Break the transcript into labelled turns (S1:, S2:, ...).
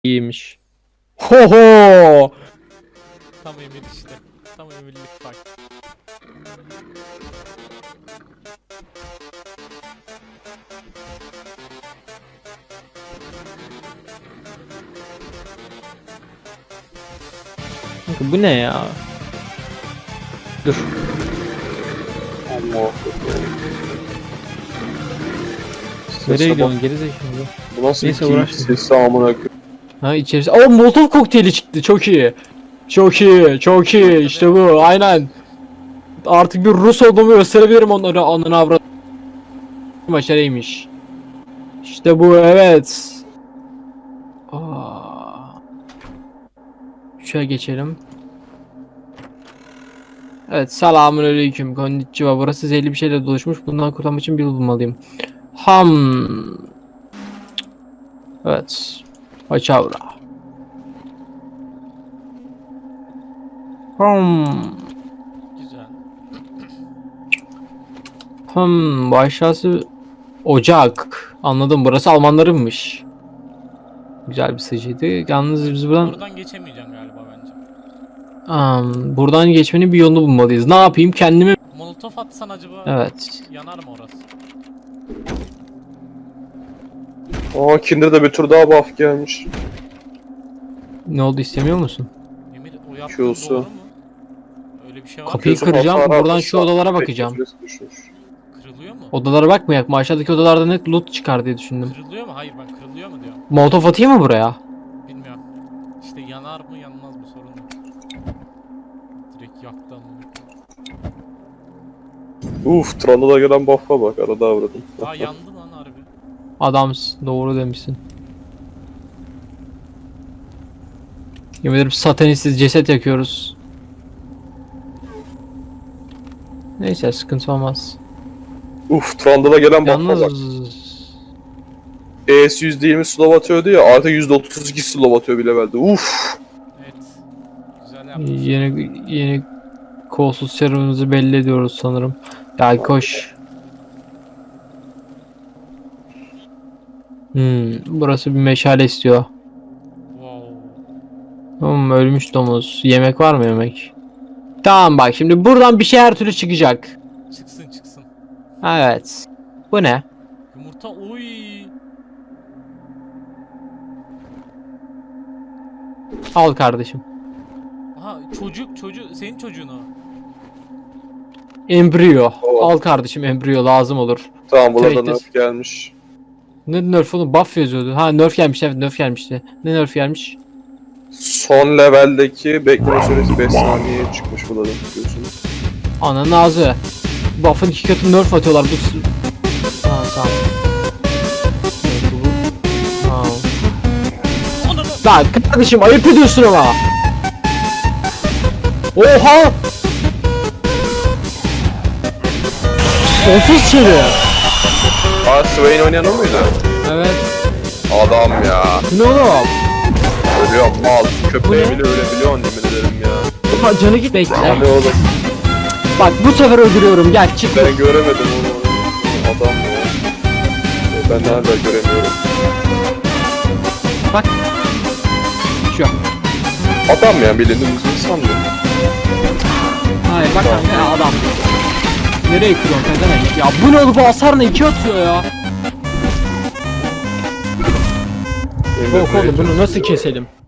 S1: İyiymiş. Ho ho!
S2: Tam emir işte. Tam emirlik bak.
S1: Kanka bu ne ya? Dur.
S3: Allah.
S1: Nereye gidiyorsun gerizekalı?
S3: Bu nasıl
S1: Neyse,
S3: bir keyif
S1: uğraşma.
S3: sesi amına koyayım.
S1: Ha içerisi. Aa, Molotov kokteyli çıktı. Çok iyi. Çok iyi. Çok iyi. İşte bu. Aynen. Artık bir Rus olduğumu gösterebilirim onlara. Ananı avradım. Başarıymış. İşte bu, evet. Aa. Şöyle geçelim. Evet, selamünaleyküm. Konnichiwa. Burası zehirli bir şeyle doluşmuş. Bundan kurtulmak için bir yol bulmalıyım. Evet. Paçavra.
S2: Güzel.
S1: Bu aşağısı ocak. Anladım. Burası Almanlarınmış. Güzel bir sıcıydı. Yalnız biz buradan
S2: Oradan geçemeyeceksin galiba bence.
S1: buradan geçmenin bir yolunu bulmalıyız. Ne yapayım? Kendimi...
S2: Molotof atsan acaba
S1: Evet.
S2: yanar mı orası?
S3: Aa Kinder'da bir tur daha buff gelmiş.
S1: Ne oldu, istemiyor musun?
S2: Emir o yaptığın
S3: Q'su.
S2: doğru mu? Öyle bir şey var mı?
S1: Kapıyı
S3: Gözüm
S1: kıracağım.
S3: hasar
S1: Buradan
S3: almış,
S1: şu odalara
S3: bekle
S1: bakacağım.
S3: süresi düşmüş.
S2: Kırılıyor mu?
S1: Odalara bakmayak mı? Aşağıdaki odalarda net loot çıkar diye düşündüm.
S2: Kırılıyor mu? Hayır ben kırılıyor mu diyorum.
S1: Molotov atayım mı buraya?
S2: Bilmiyorum. İşte yanar mı yanmaz mı sorun yok. Direkt yaktı ama.
S3: Trundle'a gelen buff'a bak arada avradım.
S2: Daha yandı lan harbi.
S1: Adamsın. Doğru demişsin. Yemin ederim satanistsiz ceset yakıyoruz. Neyse, sıkıntı olmaz.
S3: Trundle'a gelen buff'a bak.
S1: Yalnız...
S3: ES %20 slow atıyordu ya artık %32 slow atıyor bile belde.
S2: Evet. Güzel yapmış.
S1: Yeni kolsuz serumumuzu belli ediyoruz sanırım. Gel koş. Burası bir meşale istiyor.
S2: Wow.
S1: Ölmüş domuz. Yemek var mı, yemek? Tamam, bak şimdi buradan bir şey her türlü çıkacak.
S2: Çıksın çıksın.
S1: Evet. Bu ne?
S2: Yumurta oy.
S1: Al kardeşim.
S2: Aha çocuk senin çocuğun o.
S1: Embriyo.
S3: Oh.
S1: Al kardeşim, embriyo lazım olur.
S3: Tamam burada
S1: Tehdit.
S3: nerf gelmiş.
S1: Ne nerf oğlum? Buff yazıyordu. Ha, nerf gelmiş, evet, nerf gelmişti. Ne nerf gelmiş?
S3: Son leveldeki bekleme süresi 5 saniyeye çıkmış burada da biliyorsunuz.
S1: Ananın ağzı. Buff'ın 2 katı nerf atıyorlar bu. Ha, tamam. Evet, bu. Tamam. Lan kardeşim, ayıp ediyorsun ama. Oha! Onsuz çevir.
S3: Swain oynayan o muydu?
S1: Evet.
S3: Adam ya.
S1: Bu ne oğlum?
S3: Ölüyor mal. Köpeğe
S1: Bu ne?
S3: bile ölebiliyorsun yemin ederim ya.
S1: Ulan canı git, bekle.
S3: Abi oğlum
S1: Bak bu sefer öldürüyorum, gel çık.
S3: ben göremedim onu. Adam ya. Ben nerede göremiyorum.
S1: Bak. Şu.
S3: Adam ya bildiğiniz insan mı?
S1: Hayır bak kanka, adam. Nereye kırıyorsun pezevenk ya? Bu ne oğlum, bu hasar ne? 2 atıyor ya. Yok oğlum, bunu nasıl keselim?